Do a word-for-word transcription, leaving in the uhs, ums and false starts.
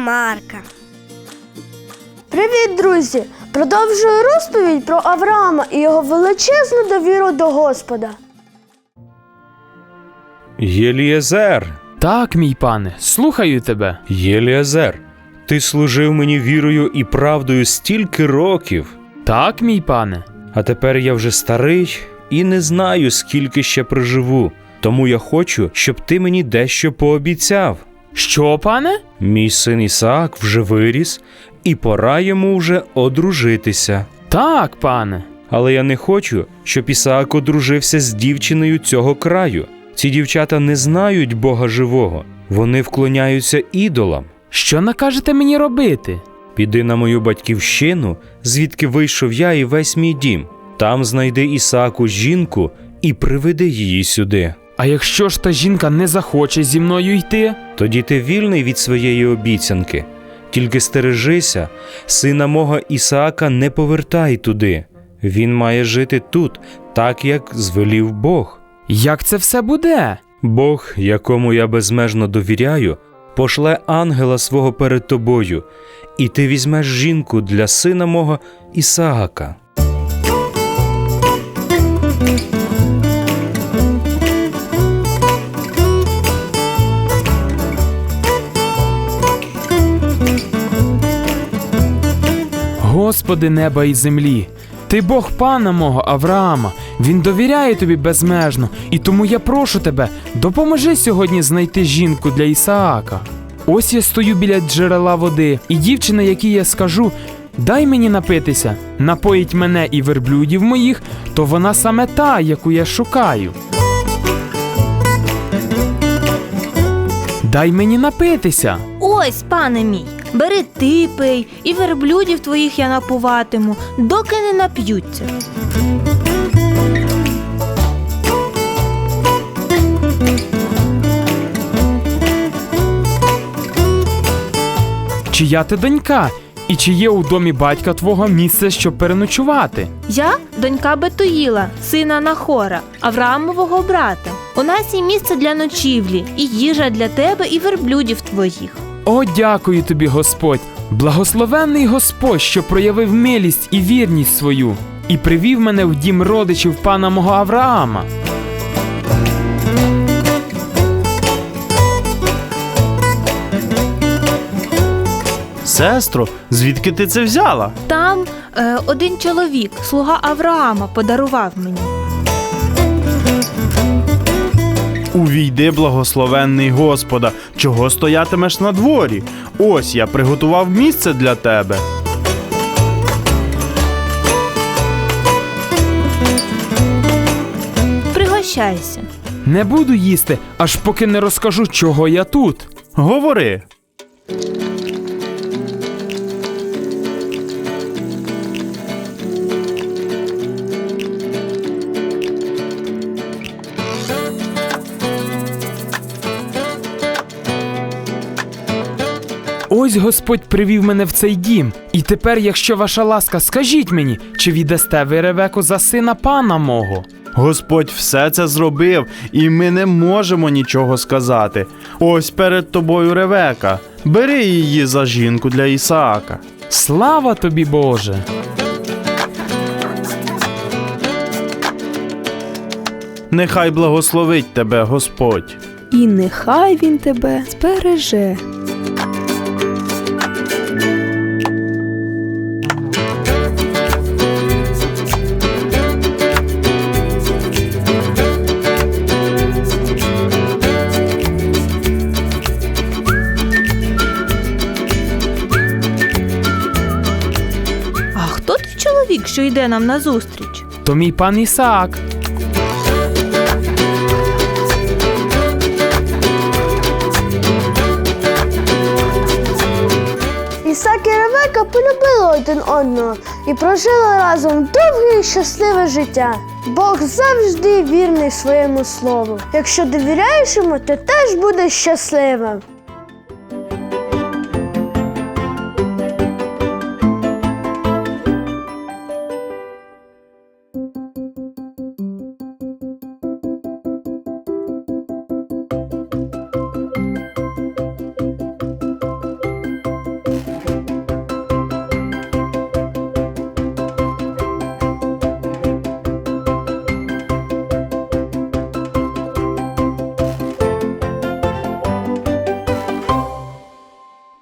Марка. Привіт, друзі! Продовжую розповідь про Авраама і його величезну довіру до Господа. Єлієзер! Так, мій пане, слухаю тебе. Єлієзер, ти служив мені вірою і правдою стільки років. Так, мій пане. А тепер я вже старий і не знаю, скільки ще проживу. Тому я хочу, щоб ти мені дещо пообіцяв. Що, пане? Мій син Ісаак вже виріс, і пора йому вже одружитися. Так, пане. Але я не хочу, щоб Ісаак одружився з дівчиною цього краю. Ці дівчата не знають Бога живого. Вони вклоняються ідолам. Що накажете мені робити? Піди на мою батьківщину, звідки вийшов я і весь мій дім. Там знайди Ісааку жінку і приведи її сюди. А якщо ж та жінка не захоче зі мною йти? Тоді ти вільний від своєї обіцянки. Тільки стережися, сина мого Ісаака не повертай туди. Він має жити тут, так як звелів Бог. Як це все буде? Бог, якому я безмежно довіряю, пошле ангела свого перед тобою, і ти візьмеш жінку для сина мого Ісаака. Господи неба і землі, Ти Бог пана мого Авраама, він довіряє тобі безмежно, і тому я прошу тебе, допоможи сьогодні знайти жінку для Ісаака. Ось я стою біля джерела води, і дівчина, якій я скажу, дай мені напитися, напоїть мене і верблюдів моїх, то вона саме та, яку я шукаю. Дай мені напитися. Ось, пане мій, бери ти пий, і верблюдів твоїх я напуватиму, доки не нап'ються. Чия ти донька? І чи є у домі батька твого місце, щоб переночувати? Я донька Бетуїла, сина Нахора, Авраамового брата. У нас є місце для ночівлі, і їжа для тебе і верблюдів твоїх. О, дякую тобі, Господь! Благословенний Господь, що проявив милість і вірність свою, і привів мене в дім родичів пана мого Авраама. Сестро, звідки ти це взяла? Там е, один чоловік, слуга Авраама, подарував мені. Увійди, благословенний Господа, чого стоятимеш на дворі? Ось я приготував місце для тебе. Пригощайся. Не буду їсти, аж поки не розкажу, чого я тут. Говори. Ось Господь привів мене в цей дім. І тепер, якщо ваша ласка, скажіть мені, чи віддасте ви Ревеку за сина пана мого? Господь все це зробив, і ми не можемо нічого сказати. Ось перед тобою Ревека. Бери її за жінку для Ісаака. Слава тобі, Боже! Нехай благословить тебе Господь. І нехай він тебе збереже. А хто той чоловік, що йде нам назустріч? То мій пан Ісаак. Ісаак і Ревека полюбили один одного і прожили разом довге і щасливе життя. Бог завжди вірний своєму слову. Якщо довіряєш йому, ти теж будеш щасливим.